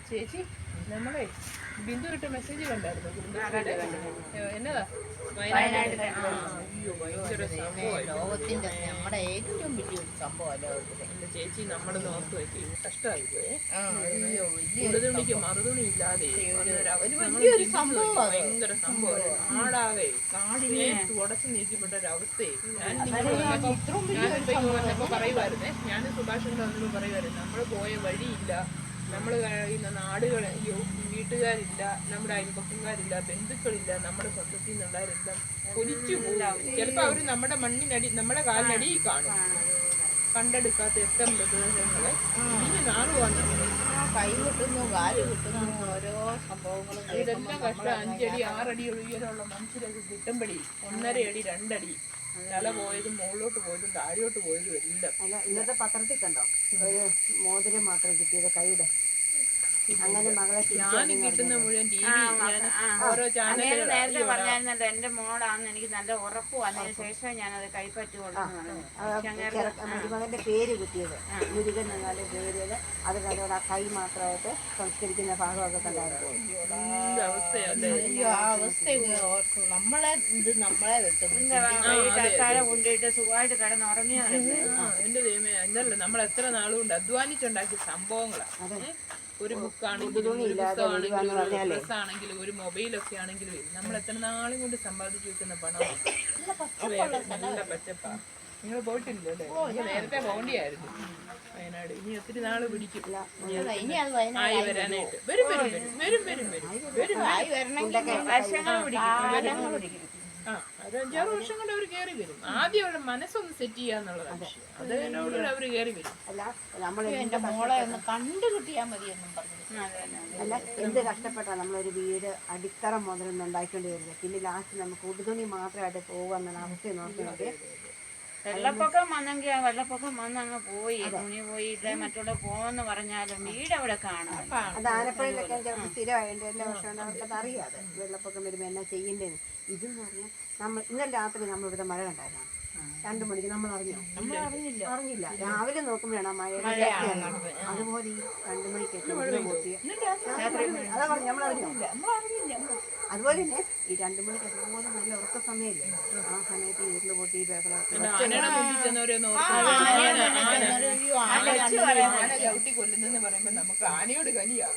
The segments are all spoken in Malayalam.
ചേച്ചി നമ്മളെ ബിന്ദു ഇട്ട മെസ്സേജ് കണ്ടായിരുന്നു എന്നതാ വയനാട്ടിലെ അയ്യോ ഭയങ്കര സംഭവം ലോകത്തിന്റെ നമ്മുടെ ഏറ്റവും വലിയൊരു സംഭവമല്ലോ എന്റെ ചേച്ചി നമ്മുടെ നോർത്ത് വെച്ച് കഷ്ടമായി പോയേ ഉടുതുണിക്ക് മറുതുണി ഇല്ലാതെ വലിയൊരു സംഭവം ഭയങ്കര സംഭവം നാടാകെ കാടിനെ തുടച്ചു നീക്കപ്പെട്ട ഒരവസ്ഥയെ ഞാനിപ്പോ വന്നപ്പോ പറയുമായിരുന്നേ ഞാനും സുഭാഷിന്റെ വന്നപ്പോ പറയുമായിരുന്നു നമ്മള് പോയ വഴിയില്ല നമ്മൾ കഴിയുന്ന നാടുകൾ വീട്ടുകാരില്ല നമ്മുടെ അയൽപക്കക്കാരില്ല ബന്ധുക്കളില്ല നമ്മുടെ സ്വന്തത്തിൽ നിന്നുള്ളവരെല്ലാം ഒലിച്ചു പോകും ചിലപ്പോ അവര് നമ്മുടെ മണ്ണിനടി നമ്മുടെ കാലിനടി കാണും കണ്ടെടുക്കാത്ത എത്ര മൃതദേഹങ്ങള് ഇനി നാളുവാണ് കൈ കിട്ടുന്നു കാല് കിട്ടുന്നു ഓരോ സംഭവങ്ങളും ഇതെല്ലാം കഷ്ടം 5 അടി 6 അടി ഉയരമുള്ള മനുഷ്യരൊക്കെ കിട്ടുമ്പടി 1.5 അടി 2 അടി തല പോയതും മുകളിലോട്ട് പോയതും താഴോട്ട് പോയതും എല്ലാം അല്ല ഇന്നത്തെ പത്രത്തിൽ കണ്ടോ ഒരു മോതിരം മാത്രം കിട്ടിയത് കൈയുടെ അങ്ങനെ മകളെ ഞാൻ കിട്ടുന്ന മുഴുവൻ ടി വി ഓരോ ചാനൽ നേരത്തെ പറഞ്ഞായിരുന്നല്ലോ എന്റെ മോളാണെന്ന് എനിക്ക് നല്ല ഉറപ്പ് വന്നതിന് ശേഷം ഞാനത് കൈപ്പറ്റുകൊള്ളു മരുമകന്റെ പേര് കിട്ടിയത് മുരുകൻ എന്നാല് പേര് അത് കണ്ടോട് ആ കൈ മാത്രമായിട്ട് സംസ്കരിക്കുന്ന ഭാഗമൊക്കെ കണ്ടായിരുന്നു നമ്മളെ ഇത് നമ്മളെ വെട്ടും കൊണ്ടിട്ട് സുഖമായിട്ട് കിടന്നുറങ്ങിയവരുണ്ട് എന്റെ ദൈവമേ അതല്ല നമ്മൾ എത്ര നാളുകൊണ്ട് അധ്വാനിച്ചുണ്ടാക്കിയ സംഭവങ്ങളാണ് ഒരു ബുക്കാണെങ്കിലും ഒരു പുസ്തകമാണെങ്കിലും ഒരു ഡ്രസ്സാണെങ്കിലും ഒരു മൊബൈലൊക്കെ ആണെങ്കിലും നമ്മൾ എത്ര നാളും കൊണ്ട് സമ്പാദിച്ചു വെക്കുന്ന പണം നല്ല പച്ചപ്പാ നിങ്ങൾ പോയിട്ടില്ലല്ലോ അല്ലേ നേരത്തെ പോകേണ്ടിയായിരുന്നു വയനാട് ഇനി ഒത്തിരി നാള് പിടിക്കില്ല ആയി വരാനായിട്ട് വരും വരും വരും വരും വരും വരും വർഷങ്ങൾ പിടിക്കും ഒരു 5-6 വർഷം കൊണ്ട് അവർ കയറി വരും ആദ്യം അവരുടെ മനസ്സൊന്ന് സെറ്റ് ചെയ്യാന്നുള്ളതാണ് അത് എന്നോട് അവർ കയറി വരും എന്റെ മോളെ ഒന്ന് കണ്ടു കിട്ടിയാൽ മതി എന്നും പറഞ്ഞു അല്ല എന്ത് കഷ്ടപ്പെട്ടാ നമ്മളൊരു വീട് അടിത്തറ മുതലൊന്നും ഉണ്ടാക്കിക്കൊണ്ട് വരുന്നത് പിന്നെ ലാസ്റ്റ് നമുക്ക് ഉടുതുണി മാത്രമായിട്ട് പോകുക അവസ്ഥയെ നോക്കുന്നത് വെള്ളപ്പൊക്കം വന്നെങ്കിൽ ആ വെള്ളപ്പൊക്കം വന്ന് അങ്ങ് പോയി തുണി പോയില്ല മറ്റുള്ള പോവെന്ന് പറഞ്ഞാലും വീട് അവിടെ കാണാം അത് ആലപ്പുഴയിലൊക്കെ ചിലപ്പോൾ സ്ഥിരമായിട്ട് എല്ലാ വർഷവും അവർക്കത് അറിയാതെ വെള്ളപ്പൊക്കം വരുമ്പോൾ എന്നാ ചെയ്യേണ്ടതെന്ന് ഇതെന്ന് പറഞ്ഞാൽ നമ്മൾ ഇന്നലെ രാത്രി നമ്മളിവിടെ മഴ കണ്ടായിരുന്നു 2 മണിക്ക് നമ്മൾ അറിഞ്ഞില്ല രാവിലെ നോക്കുമ്പോഴാണ് ആ മഴയുടെ അതുപോലെ ഈ 2 മണിക്ക് അതാ പറഞ്ഞു നമ്മൾ അറിഞ്ഞില്ല അതുപോലെ തന്നെ ഈ 2 മണിക്ക് അതുപോലെ നല്ല ഉറക്ക സമയമില്ലേ ആ സമയത്ത് വീട്ടിൽ പൊട്ടി ചവിട്ടി കൊല്ലുന്നെന്ന് പറയുമ്പോ നമുക്ക് ആനയോട് കലിയാ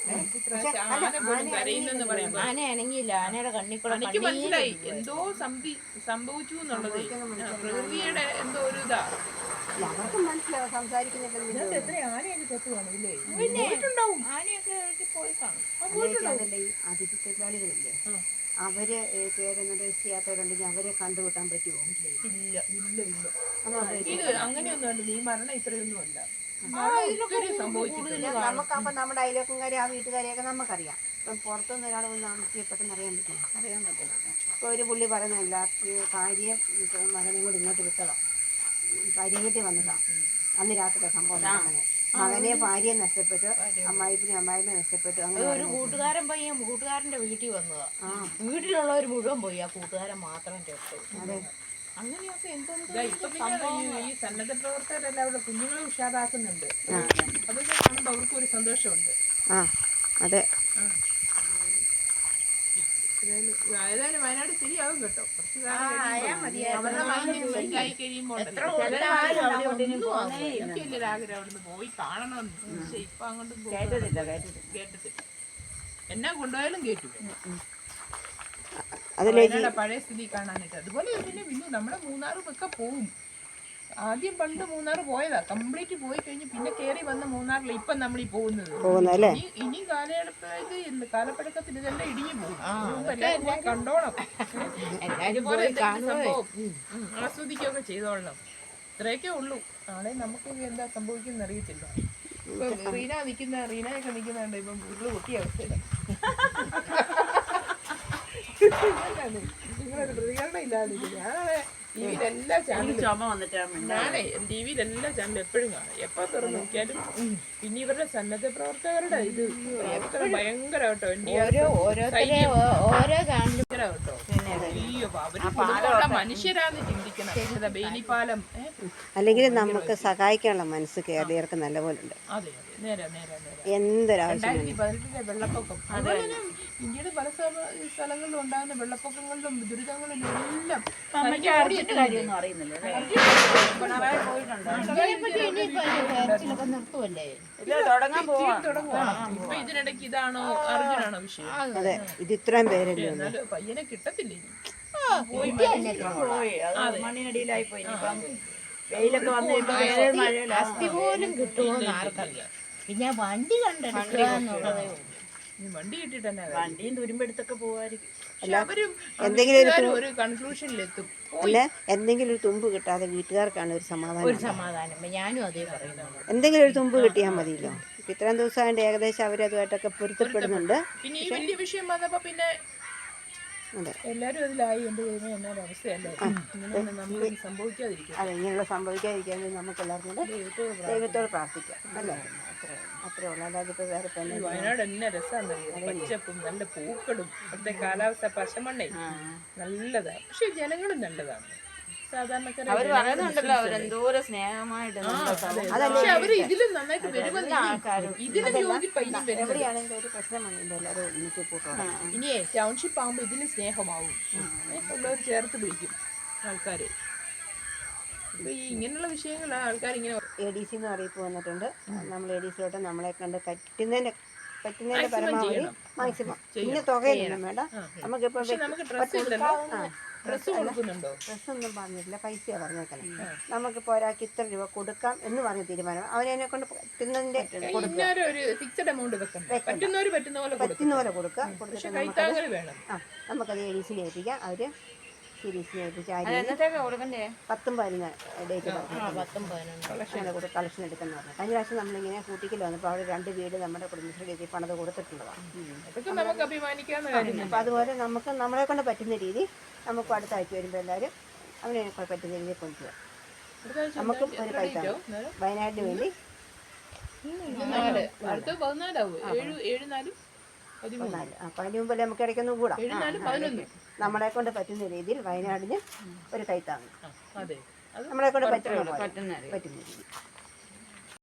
ആന അനങ്ങിയില്ല ആനയുടെ കണ്ണിക്കൂടെ എനിക്ക് മനസ്സിലായി എന്തോ സംഭവിച്ചു എന്നുള്ളത് പ്രകൃതിയുടെ എന്തോ ഒരു ഇതാ അവർക്ക് മനസ്സിലാവും സംസാരിക്കുന്നില്ല എത്ര ആനയൊക്കെ ചത്തുവാണ് ഇല്ലേ ആനയൊക്കെ പോയി കാണും ഈ അതിഥി തൊഴിലാളികളില്ലേ അവര് പേരൊന്നും രജിസ്റ്റർ ചെയ്യാത്തവരുണ്ടെങ്കിൽ അവരെ കണ്ടുകൂട്ടാൻ പറ്റുമോ ഇല്ല ഇല്ല ഇല്ല ഇത് അങ്ങനെയൊന്നും നീ മരണം ഇത്രയൊന്നും അല്ല നമുക്കപ്പം നമ്മുടെ അയൽവക്കംകാരെ ആ വീട്ടുകാരെയൊക്കെ നമുക്കറിയാം ഇപ്പം പുറത്തുനിന്ന് ഒരാൾ വന്ന് താമസിക്കപ്പെട്ടെന്ന് അറിയാൻ പറ്റില്ല ഇപ്പോൾ ഒരു പുള്ളി പറയുന്നില്ല കാര്യം മകനെയും കൂടി ഇങ്ങോട്ട് വിട്ടതോ കാര്യം വീട്ടിൽ വന്നതാണ് അന്ന് രാത്രി സംഭവം നടക്കുന്നത് മകനെ ഭാര്യയെ നഷ്ടപ്പെട്ടു അമ്മായിമ്മയെ നഷ്ടപ്പെട്ടു അങ്ങനെ ഒരു കൂട്ടുകാരൻ പയ്യൻ കൂട്ടുകാരന്റെ വീട്ടിൽ വന്നതാ വീട്ടിലുള്ളവർ മുഴുവൻ പോയി ആ കൂട്ടുകാരൻ മാത്രം രക്ഷപ്പെട്ടു അതെ അങ്ങനെയൊക്കെ ഈ സന്നദ്ധ പ്രവർത്തകരെല്ലാം കുഞ്ഞുങ്ങളെ ഉഷാറാക്കുന്നുണ്ട് അതൊക്കെ കാണുമ്പോൾ അവർക്കും ഒരു സന്തോഷമുണ്ട് അതെ ഏതായാലും വയനാട് ശരിയാവും കേട്ടോ കുറച്ച് എനിക്കല്ലേ ആഗ്രഹം അവിടുന്ന് പോയി കാണണമെന്ന് പക്ഷെ ഇപ്പൊ അങ്ങോട്ട് കേട്ടിട്ടില്ല എന്നാ കൊണ്ടുപോയാലും കേട്ടു വയനാട് പഴയ സ്ഥിതി കാണാനായിട്ട് അതുപോലെ തന്നെ പിന്നെ നമ്മുടെ മൂന്നാറും ഒക്കെ പോവും ആദ്യം പണ്ട് മൂന്നാർ പോയതാ കംപ്ലീറ്റ് പോയി കഴിഞ്ഞ് പിന്നെ കേറി വന്ന മൂന്നാറിൽ ഇപ്പൊ നമ്മൾ ഈ പോകുന്നത് ഇനി കാലപ്പഴക്കത്തിൽ ഇതെല്ലാം ഇടിഞ്ഞു പോകും കണ്ടോണം സംഭവം ആസ്വദിക്കുകയൊക്കെ ചെയ്തോളണം ഇത്രയൊക്കെ ഉള്ളൂ നാളെ നമുക്ക് എന്താ സംഭവിക്കുന്ന അറിയത്തില്ല ഇപ്പൊ റീനയൊക്കെ നിൽക്കുന്നുണ്ട് ഇപ്പം ഉരുള് പൊട്ടിയ അവസ്ഥയില നിങ്ങളൊരു പ്രതികരണം ഇല്ലാതെ ഞാനാണ് ടിവിയിലെല്ലാ ചാനലും ഞാനേ ടിവിയിലെല്ലാ ചാനലും എപ്പോഴും കാണും എപ്പോ തുറന്നു നോക്കിയാലും പിന്നെ ഇവരുടെ സന്നദ്ധ പ്രവർത്തകരുടെ ഇത് എത്ര ഭയങ്കര കേട്ടോ കേട്ടോ അയ്യോ അവര് മനുഷ്യരാന്ന് ചിന്തിക്കണം ബെയിലിപ്പാലം അല്ലെങ്കിൽ നമുക്ക് സഹായിക്കാനുള്ള മനസ്സ് കേരളീയർക്ക് നല്ലപോലെ ഉണ്ട് അതെ അതെ നേരെ എന്തൊരാവശ്യം 2018 വെള്ളപ്പൊക്കം അതുപോലെ തന്നെ ഇന്ത്യയുടെ പല സ്ഥലങ്ങളിലും ഉണ്ടാകുന്ന വെള്ളപ്പൊക്കങ്ങളിലും ദുരിതങ്ങളിലും എല്ലാം അമ്മയ്ക്ക് അറിഞ്ഞിട്ട് കാര്യമൊന്നും അറിയുന്നില്ല പിണറായി പോയിട്ടുണ്ടോ ഇതിനെപ്പറ്റി ഇനിയിപ്പോ തെരച്ചിലൊക്കെ നിർത്തുമല്ലേ? ഇല്ല തുടങ്ങാൻ പോവാ ഇപ്പൊ ഇതിനിടയ്ക്ക് ഇതാണോ അർജുനാണോ വിഷയം? അതെ, ഇത് ഇത്രയും പേരല്ലേ. എന്നാലും പയ്യനെ കിട്ടത്തില്ല ഇനി. പോയി അത് മണ്ണിനടിയിലായി പോയി ഇനിയിപ്പം വെയിലൊക്കെ വന്നു മഴയില്ല അസ്ഥി പോലും കിട്ടുമോന്ന് ആർക്കറിയാം. പിന്നെ വണ്ടി കണ്ടെടുക്കുക എന്നുള്ളതേ ഉള്ളൂ. ഇനി വണ്ടി കിട്ടിയിട്ട് തന്നെ വണ്ടിയും തുരുമ്പെടുത്തൊക്കെ പോവായിരിക്കും. അവരും എന്തെങ്കിലും ഒരു കൺക്ലൂഷനിലെത്തും. അല്ല, എന്തെങ്കിലും ഒരു തുമ്പ് കിട്ടാതെ വീട്ടുകാർക്കാണ് ഒരു സമാധാനം. സമാധാനം ഞാനും അതേ പറയുന്നുള്ളൂ. എന്തെങ്കിലും ഒരു തുമ്പ് കിട്ടിയാൽ മതിയല്ലോ. ഇത്രയും ദിവസമായിട്ട് ഏകദേശം അവരതുമായിട്ടൊക്കെ പൊരുത്തപ്പെടുന്നുണ്ട്. പിന്നെ ഈ വലിയ വിഷയം വന്നപ്പോ പിന്നെ അതെ, എല്ലാരും അതിലായി. എന്റെ ദൈവം എന്നൊരു അവസ്ഥയല്ലേ ഇങ്ങനെ നമുക്ക് സംഭവിക്കാതിരിക്കും. അതെ, ഇങ്ങനെയുള്ള സംഭവിക്കാതിരിക്കാൻ വേണ്ടി നമുക്ക് എല്ലാവർക്കും കൂടെ ദൈവത്തോട് പ്രാർത്ഥിക്കാം അല്ലേ. അത്രേ ഉള്ളൂ. അല്ലാതെ ഇപ്പോൾ വേറെ തന്നെ വയനാട് എന്നെ രസമാണെന്നറിയാം. പച്ചപ്പും നല്ല പൂക്കളും അവിടുത്തെ കാലാവസ്ഥ പശമണ്ണേ നല്ലതാണ്. പക്ഷെ ജനങ്ങളും നല്ലതാണ്. സാധാരണക്കാരെ അവര് പറയുന്നുണ്ടല്ലോ അവരെന്തോരം സ്നേഹമായിട്ട് പക്ഷെ അവര് ഇതിലും നന്നായിട്ട് വരുമെന്ന് ഇതിലും യോജിപ്പയ്യും വരും. എവിടെയാണെങ്കിലും ഒരു പ്രശ്നം വന്നില്ല, എല്ലാവരും ഒന്നിച്ച് കൂട്ടണം. ഇനിയേ ടൗൺഷിപ്പ് ആകുമ്പോ ഇതിലും സ്നേഹമാവും. ഉള്ളവർ ചേർത്ത് പിടിക്കും ആൾക്കാരെ. അപ്പൊ ഈ ഇങ്ങനെയുള്ള വിഷയങ്ങൾ ആൾക്കാർ ഇങ്ങനെ ADC എന്ന് അറിയിപ്പ് വന്നിട്ടുണ്ട്. നമ്മൾ ADCയിലോട്ട് നമ്മളെ കണ്ട് പറ്റുന്നതിന്റെ പരമാവധി മാക്സിമം ഇന്ന തുകയൊന്നും വേണ്ട. നമുക്കിപ്പോ നമുക്ക് ഡ്രസ്സ് ഉണ്ടല്ലോ. ഡ്രസ്സ് കൊടുക്കുന്നുണ്ടോ? ഡ്രസ്സൊന്നും പറഞ്ഞിട്ടില്ല, പൈസയാണ് പറഞ്ഞേക്കണം. നമുക്കിപ്പോൾ ഒരാൾക്ക് ഇത്ര രൂപ കൊടുക്കാം എന്ന് പറഞ്ഞ തീരുമാനം അവനെ കൊണ്ട് പറ്റുന്നതിന്റെ ഒരു ഫിക്സഡ് എമൗണ്ട് വെക്കണം. പറ്റുന്നവര് പറ്റുന്ന പോലെ കൊടുക്കുക. പക്ഷെ കൈത്താങ്ങൽ വേണം. നമുക്കത് ADCയിൽ ഏൽപ്പിക്കാം. അവര് സീരീസിനെ ഏൽപ്പിച്ച് 10-15 ഡേറ്റ് കളക്ഷൻ എടുക്കുന്ന പറഞ്ഞു. കഴിഞ്ഞ പ്രാവശ്യം നമ്മളിങ്ങനെ കൂട്ടിക്കൽ വന്നപ്പോൾ അവിടെ 2 വീട് നമ്മുടെ കുടുംബശ്രീ രീതിയിൽ പണിത് കൊടുത്തിട്ടുള്ളതാണ്. അതൊക്കെ നമുക്ക് അഭിമാനിക്കാവുന്ന കാര്യം. അപ്പോൾ അതുപോലെ നമുക്ക് നമ്മളെ കൊണ്ട് പറ്റുന്ന രീതി നമുക്ക് അടുത്ത ആഴ്ച വരുമ്പോൾ എല്ലാവരും അവനെ പറ്റുന്ന രീതിയിൽ കൊണ്ടുപോകാം. നമുക്കും ഒരു കൈത്താങ്ങ് വയനാടിന് വേണ്ടി. അടുത്ത 14 അപ്പം അതിന് മുമ്പല്ലേ നമുക്ക് ഇടയ്ക്കൊന്നും കൂടാം. നമ്മളെ കൊണ്ട് പറ്റുന്ന രീതിയിൽ വയനാടിന് ഒരു കൈത്താങ്ങ് നമ്മളെ കൊണ്ട് പറ്റുന്ന രീതി.